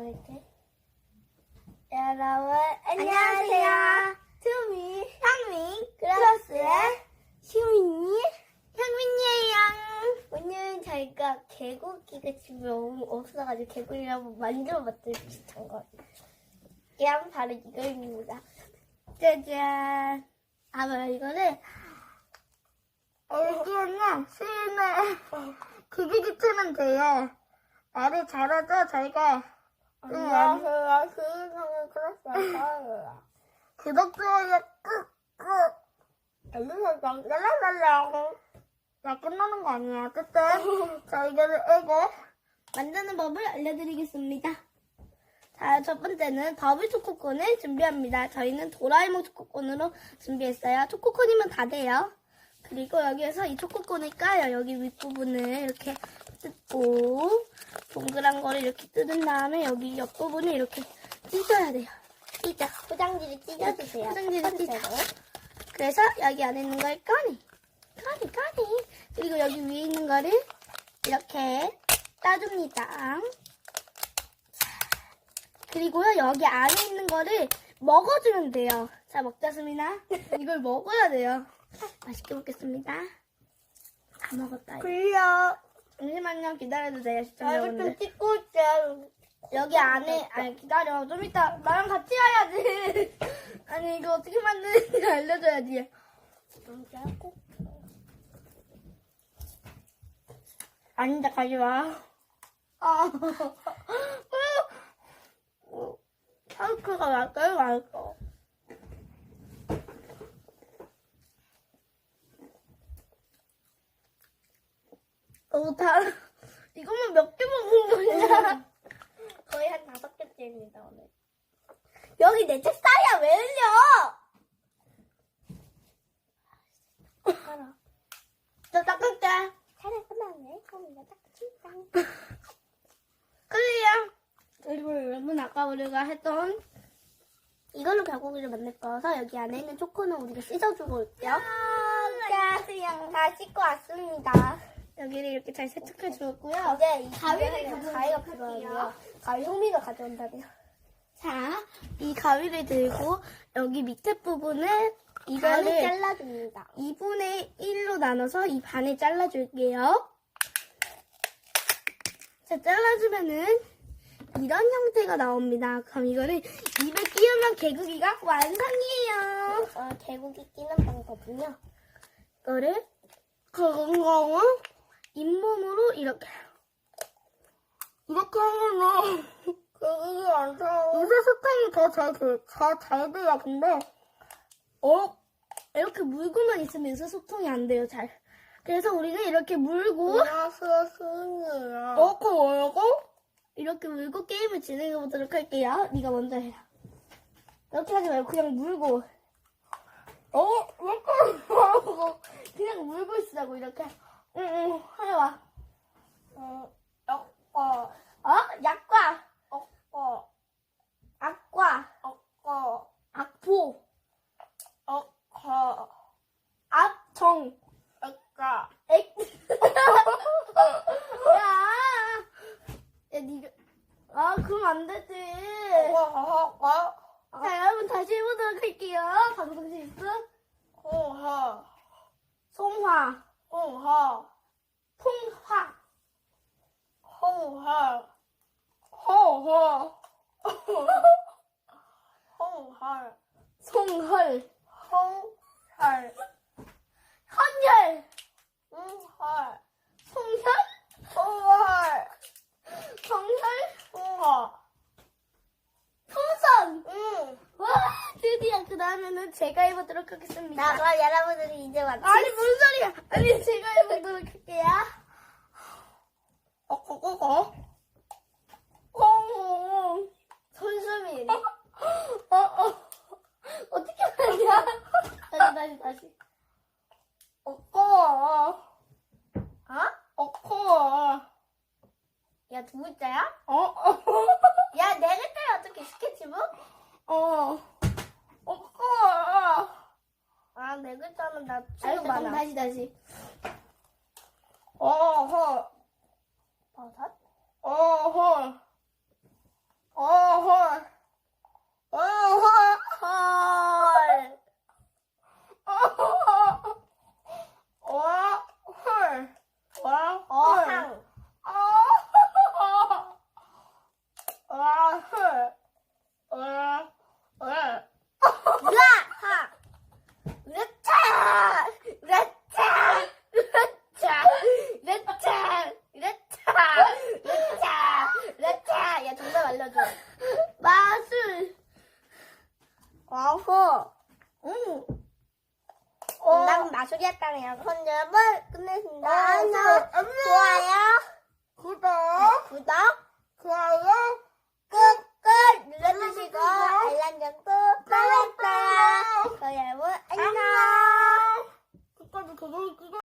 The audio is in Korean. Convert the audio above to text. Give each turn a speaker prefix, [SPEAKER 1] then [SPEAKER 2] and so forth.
[SPEAKER 1] 이렇게. 여러분, 안녕하세요. 투미, 향민, 클라스의 시민이, 향민이에요. 오늘 저희가 개고기가 집에 너무 없어가지고 개고기를 한번 만들어봤더니 비슷한 거. 이게 바로 이거입니다. 짜잔. 아마 이거는
[SPEAKER 2] 애기는 시인의 기기기 트면 돼요. 말이 잘하죠, 저희가.
[SPEAKER 1] 안녕하세요. 시인상의 클라스의 사연이에요.
[SPEAKER 2] 구독, 좋아요, 꾹꾹.
[SPEAKER 1] 알림 설정, 랄랄랄라.
[SPEAKER 2] 야, 끝나는 거 아니야. 어쨌든, 저희가 이거
[SPEAKER 1] 만드는 법을 알려드리겠습니다. 자, 첫 번째는 더블 초코콘을 준비합니다. 저희는 도라에몽 초코콘으로 준비했어요. 초코콘이면 다 돼요. 그리고 여기에서 이 초코콘을 까요. 여기 윗부분을 이렇게 뜯고 동그란 거를 이렇게 뜯은 다음에 여기 옆부분을 이렇게 찢어야 돼요. 찢어. 포장지를 찢어주세요. 포장지를 찢어. 그래서 여기 안에 있는 걸 꺼내. 그리고 여기 위에 있는 거를 이렇게 따줍니다. 그리고요, 여기 안에 있는 거를 먹어주면 돼요. 자, 먹자, 수민아. 이걸 먹어야 돼요. 맛있게 먹겠습니다. 다 먹었다.
[SPEAKER 2] 굴려.
[SPEAKER 1] 잠시만요, 기다려주세요, 시청자분들.
[SPEAKER 2] 찍고 있어요.
[SPEAKER 1] 여기 안에, 아니, 기다려. 좀 이따 나랑 같이 와야지. 아니, 이거 어떻게 만드는지 알려줘야지. 아니다, 가져와. 샤크가 날까요, 말까? 이것만 몇 개 먹는 거냐? 거의 한 5개째입니다, 오늘. 여기 내 책상이야, 왜 흘려? 알아. 저 닦을게. 차례 끝났네. 그럼 이제 닦을게. 클리어. 그리고 여러분, 아까 우리가 했던 이걸로 개고기를 만들 거라서 여기 안에 있는 초코는 우리가 씻어주고 올게요. 안녕하세요. 다 씻고 왔습니다. 여기를 이렇게 잘 세척해 주었고요. 이제 이 가위가 필요하고요. 가위 흥미가 가져온다네요. 자, 이 가위를 들고 여기 밑에 부분을 이거를 잘라줍니다. 2분의 1로 나눠서 이 반을 잘라줄게요. 자, 잘라주면은 이런 형태가 나옵니다. 그럼 이거는 입에 끼우면 개고기가 완성이에요. 개고기 끼는 방법은요. 이거를 건강은 잇몸으로 이렇게 하면은
[SPEAKER 2] 개기기 완성.
[SPEAKER 1] 요새 스팸이 더 잘 돼요. 근데 이렇게 물고만 있으면 요새 소통이 안 돼요. 잘. 그래서 우리는 이렇게 물고
[SPEAKER 2] 안녕하세요, 시인이에요.
[SPEAKER 1] 이렇게 물고 게임을 진행해 보도록 할게요. 네가 먼저 해라. 이렇게 하지 말고 그냥 물고. 이렇게 하고 그냥 물고 있으라고 이렇게. 응, 해봐. 약과. 악과. 악포. 악청. 야, 니가. 그럼 안 되지. 자, 여러분 다시 해보도록 할게요. 방송 실수. 송화. 송헐. 헌혈. 송혈. 풍선. 와, 드디어 그 다음에는 제가 해보도록 하겠습니다.
[SPEAKER 2] 그럼 여러분들이 이제 왔지?
[SPEAKER 1] 아니, 뭔 소리야. 아니, 제가 해보도록 할게요. 손수민. 어떻게 하냐? 다시. 야, 2글자야? 야, 4글자야, 어떻게 스케치북? 4글자는 나 지금 많아. 다시. 버섯? 우리였다는 영상 여러분 끝냈습니다. 안녕. 좋아요,
[SPEAKER 2] 구독, 좋아요,
[SPEAKER 1] 꾹꾹 눌러주시고 알람 전부 눌러주세요. 여러분 안녕.
[SPEAKER 2] 끝까지 계속